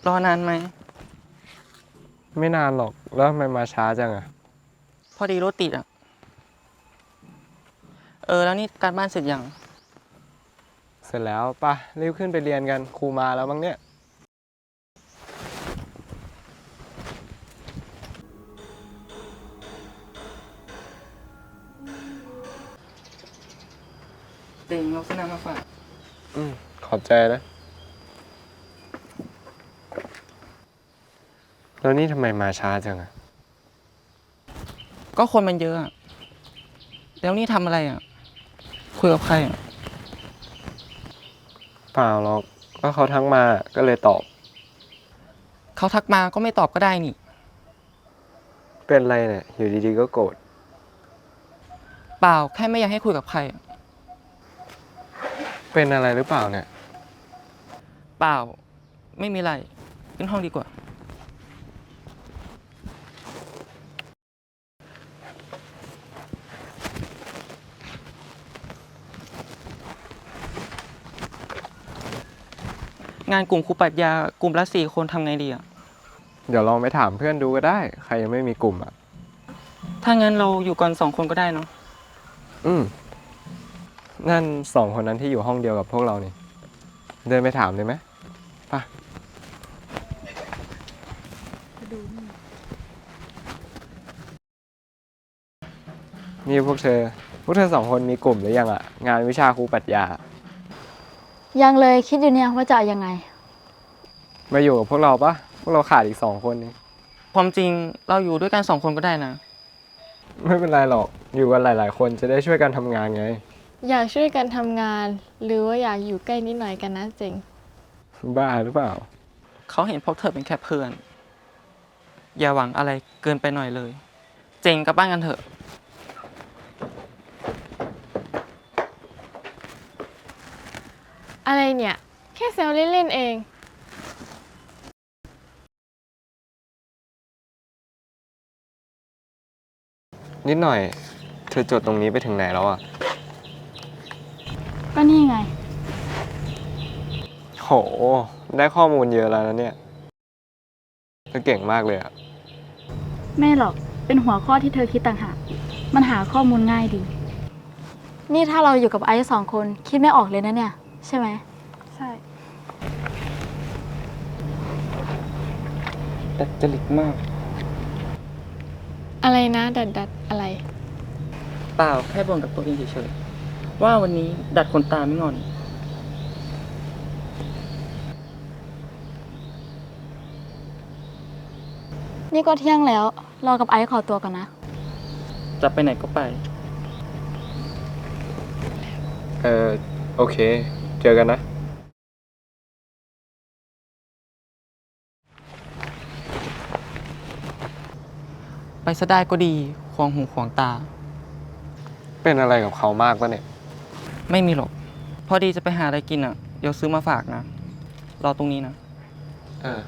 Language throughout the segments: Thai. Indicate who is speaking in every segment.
Speaker 1: รอนานไหม
Speaker 2: ไม่นานหรอกแล้วทำไมมาช้าจังอะ
Speaker 1: พอดีรถติดอ่ะแล้วนี่การบ้านเสร็จยัง
Speaker 2: เสร็จแล้วป่ะรีบขึ้นไปเรียนกันครูมาแล้วมั้งเนี่ย
Speaker 1: เต็งเราซื้อน้ำมาฝาก
Speaker 2: ขอบใจนะแล้วนี่ทำไมมาช้าจังอะ
Speaker 1: ก็คนมันเยอะอะแล้วนี่ทำอะไรอ่ะคุยกับใครอ่ะ
Speaker 2: เปล่าหรอกก็เขาทักมาก็เลยตอบ
Speaker 1: เขาทักมาก็ไม่ตอบก็ได้นี่
Speaker 2: เป็นไรเนี่ยอยู่ดีๆก็โกรธ
Speaker 1: เปล่าแค่ไม่อยากให้คุยกับใครอะ
Speaker 2: เป็นอะไรหรือเปล่าเนี่ย
Speaker 1: เปล่าไม่มีอะไรขึ้นห้องดีกว่า งานกลุ่มครูปรัชญากลุ่มละ4 คนทำไงดีอ่ะ
Speaker 2: เดี๋ยวลองไปถามเพื่อนดูก็ได้ใครยังไม่มีกลุ่มอ่ะ
Speaker 1: ถ้างั้นเราอยู่กัน2 คนก็ได้เนาะ
Speaker 2: อืมนั่น2 คนนั้นที่อยู่ห้องเดียวกับพวกเรานี่เดินไปถามเลยไหมป่ะนี่พวกเธอ2 คนมีกลุ่มหรือยังอ่ะงานวิชาครูปรัชญา
Speaker 3: ยังเลยคิดอยู่เนี่ยว่าจะเอายังไง
Speaker 2: มาอยู่กับพวกเราปะพวกเราขาดอีก2 คนนี่
Speaker 1: ความจริงเราอยู่ด้วยกัน2 คนก็ได้นะ
Speaker 2: ไม่เป็นไรหรอกอยู่กันหลายๆคนจะได้ช่วยกันทำงานไง
Speaker 4: อยากช่วยกันทำงานหรือว่าอยากอยู่ใกล้นิดหน่อยกันนะเจ๋ง
Speaker 2: บ้าหรือเปล่า
Speaker 1: เขาเห็นพวกเธอเป็นแค่เพื่อนอย่าหวังอะไรเกินไปหน่อยเลยเจ๋งกลับบ้านกันเถอะ
Speaker 4: อะไรเนี่ยแค่แซวเล่นๆเอง
Speaker 2: นิดหน่อยเธอจดตรงนี้ไปถึงไหนแล้วอ่ะ
Speaker 3: ก็นี่ไง
Speaker 2: โหได้ข้อมูลเยอะแล้วนะเนี่ยเธอเก่งมากเลยอ่ะ
Speaker 3: ไม่หรอกเป็นหัวข้อที่เธอคิดต่างหากมันหาข้อมูลง่ายดีนี่ถ้าเราอยู่กับไอซ์2 คนคิดไม่ออกเลยนะเนี่ยใช่ไหม
Speaker 4: ใช่
Speaker 1: ดัดจริตมาก
Speaker 4: อะไรนะดัดอะไร
Speaker 1: เปล่าแค่บ่นกับตัวเองเฉยๆว่าวันนี้ดัดขนตาไม่งอน
Speaker 3: นี่ก็เที่ยงแล้วรอกับไอซ์ขอตัวก่อนนะ
Speaker 1: จะไปไหนก็ไป
Speaker 2: โอเคเจอกันนะ
Speaker 1: ไปซะได้ก็ดีขวางหูขวางตา
Speaker 2: เป็นอะไรกับเขามากปะเนี่ย
Speaker 1: ไม่มีหรอกพอดีจะไปหาอะไรกินอ่ะเดี๋ยวซื้อมาฝากนะรอตรงนี้นะ
Speaker 2: เออ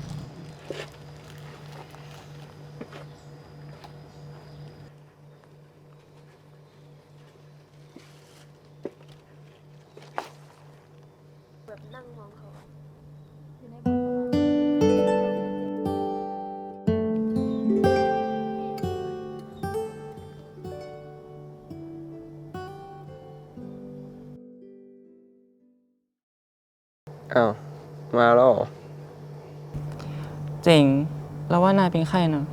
Speaker 2: อ้าวมาแล้วเหรอ
Speaker 1: เจ๋งแล้วว่านายเป็นใครนะ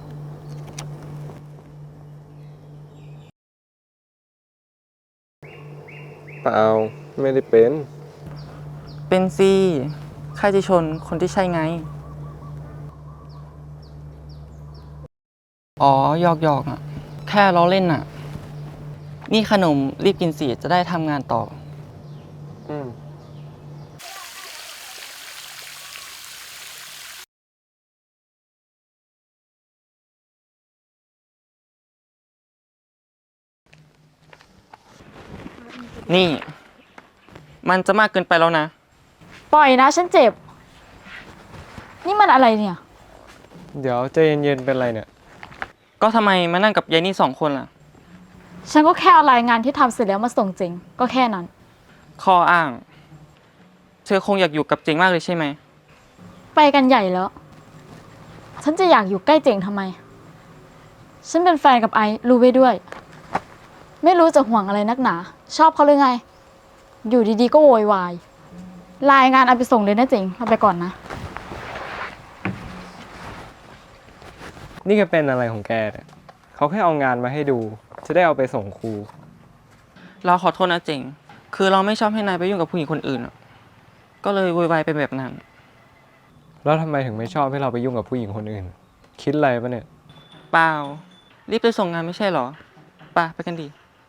Speaker 2: เปล่าไม่ได้เป็น
Speaker 1: เป็นสิใครจะชนคนที่ใช่ไงอ๋อหยอกอ่ะแค่ล้อเล่นอ่ะนี่ขนมรีบกินสิจะได้ทำงานต่อ
Speaker 2: อืม
Speaker 1: นี่มันจะมากเกินไปแล้วนะ
Speaker 3: ปล่อยนะฉันเจ็บนี่มันอะไรเนี่ย
Speaker 2: เดี๋ยวใจเย็นๆเป็นไรเนี่ย
Speaker 1: ก็ทำไมมานั่งกับยายนี่2 คนล่ะ
Speaker 3: ฉันก็แค่เอารายงานที่ทำเสร็จแล้วมาส่งเจงก็แค่นั้น
Speaker 1: ข้ออ้างเธอคงอยากอยู่กับเจ๋งมากเลยใช่ไหม
Speaker 3: ไปไปกันใหญ่แล้ว ฉันจะอยากอยู่ใกล้เจ๋งทำไม ฉันเป็นแฟนกับไอซ์รู้ไว้ด้วย ไม่รู้จะห่วงอะไรนักหนา ชอบเขาหรือไง อยู่ดีๆก็โวยวายรายงานเอาไปส่งเลยนะเจ๋งเราไปก่อนนะ
Speaker 2: นี่แกเป็นอะไรของแกเนี่ยเขาแค่เอางานมาให้ดู จะได้เอาไปส่งครู
Speaker 1: เราขอโทษนะเจ๋ง คือเราไม่ชอบให้นายไปยุ่งกับผู้หญิงคนอื่นอะก็เลยโวยวายเป็นแบบนั้น
Speaker 2: แล้วทำไมถึงไม่ชอบให้เราไปยุ่งกับผู้หญิงคนอื่น คิดอะไรปะเนี่ย
Speaker 1: เปล่า รีบไปส่งงานไม่ใช่เหรอไปกันดี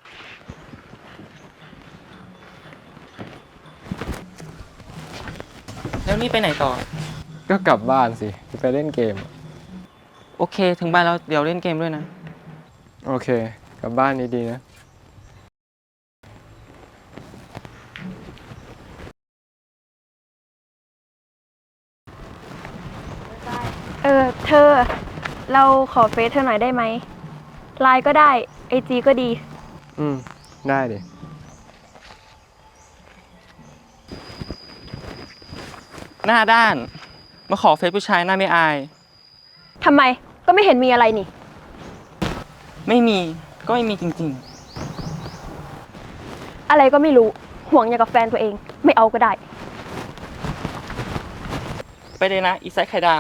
Speaker 1: แล้วนี่ไปไหนต่อ
Speaker 2: ก็กลับบ้านสิจะไปเล่นเกม
Speaker 1: โอเค ถึงบ้านแล้วเดี๋ยวเล่นเกมด้วยนะ
Speaker 2: โอเค กลับบ้านดีๆนะ
Speaker 5: เธอ เราขอเฟซเธอหน่อยได้ไหม ไลน์ก็ได้ ไอจีก็ดี
Speaker 2: อืม ได้ดิ
Speaker 1: หน้าด้าน มาขอเฟซผู้ชายหน้าไม่อาย
Speaker 5: ทำไม ก็ไม่เห็นมีอะไรนี่
Speaker 1: ไม่มี ก็ไม่มีจริง
Speaker 5: อะไรก็ไม่รู้ ห่วงอย่างกับแฟนตัวเอง ไม่เอาก็ได้
Speaker 1: ๆ ไปเลยนะ อีไซค์ไข่ดาว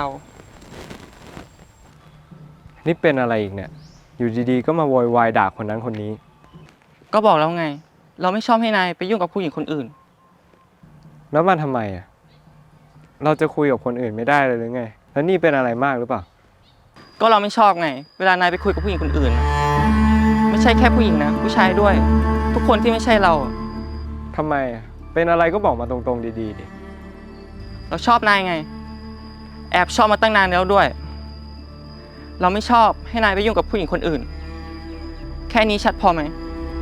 Speaker 2: นี่เป็นอะไรอีกเนี่ย อยู่ดีๆ ก็มาโวยวายด่าคนนั้นคนนี้
Speaker 1: ก็บอกแล้วไง เราไม่ชอบให้นายไปยุ่งกับผู้หญิงคนอื่น
Speaker 2: แล้วมันทำไมอ่ะ เราจะคุยกับคนอื่นไม่ได้เลยหรือไง แล้วนี่เป็นอะไรมากหรือเปล่า
Speaker 1: ก็เราไม่ชอบไง เวลานายไปคุยกับผู้หญิงคนอื่นน่ะไม่ใช่แค่ผู้หญิงนะ ผู้ชายด้วย ทุกคนที่ไม่ใช่เราอะ
Speaker 2: ทำไมอ่ะ เป็นอะไรก็บอกมาตรงๆดีๆดิ
Speaker 1: เราชอบนายไง แอบชอบมาตั้งนานแล้วด้วย เราไม่ชอบให้นายไปยุ่งกับผู้หญิงคนอื่น แค่นี้ชัดพอไหม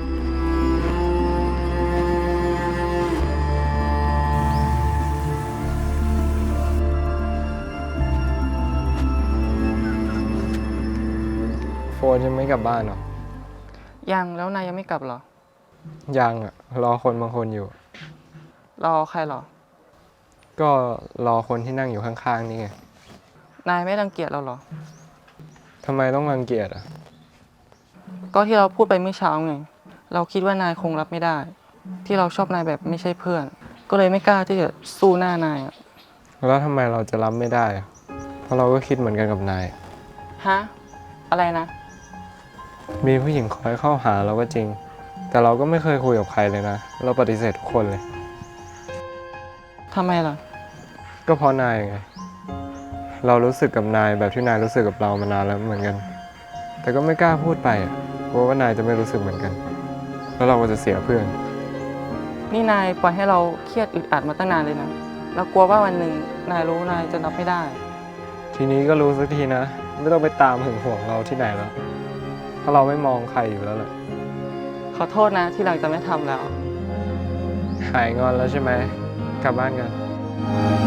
Speaker 2: โฟนยังไม่กลับบ้านเหรอ
Speaker 1: ยังแล้วนายยังไม่กลับเหรอ
Speaker 2: ยังอ่ะ รอคนบางคนอยู่
Speaker 1: รอใครเหรอ
Speaker 2: ก็รอคนที่นั่งอยู่ข้างๆนี่ไง
Speaker 1: นายไม่รังเกียจเราเหรอ
Speaker 2: ทำไมต้องรังเกียจอ่ะ
Speaker 1: ก็ที่เราพูดไปเมื่อเช้าไง เราคิดว่านายคงรับไม่ได้ ที่เราชอบนายแบบไม่ใช่เพื่อน ก็เลยไม่กล้าที่จะสู้หน้านายอะ
Speaker 2: แล้วทำไมเราจะรับไม่ได้อะเพราะเราก็คิดเหมือนกันกับนาย
Speaker 1: ฮะ อะไรนะ
Speaker 2: มีผู้หญิงคอยเข้าหาเราก็จริง แต่เราก็ไม่เคยคุยกับใครเลยนะ เราปฏิเสธทุกคนเลย
Speaker 1: ทำไมล่ะ
Speaker 2: ก็เพราะนายไง เรารู้สึกกับนายแบบที่นายรู้สึกกับเรามานานแล้วเหมือนกัน แต่ก็ไม่กล้าพูดไปอ่ะกลัวว่านายจะไม่รู้สึกเหมือนกัน แล้วเราก็จะเสียเพื่อน
Speaker 1: นี่นายปล่อยให้เราเครียดอึดอัดมาตั้งนานเลยนะ เรากลัวว่าวันหนึ่งนายรู้นายจะรับไม่ได้
Speaker 2: ทีนี้ก็รู้สักทีนะ ไม่ต้องไปตามหึงหวงเราที่ไหนแล้ว เพราะเราไม่มองใครอยู่แล้วแหละ
Speaker 1: ขอโทษนะที่หลังจะไม่ทำแล้ว
Speaker 2: หายงอนแล้วใช่ไหม กลับบ้านกัน
Speaker 1: ไ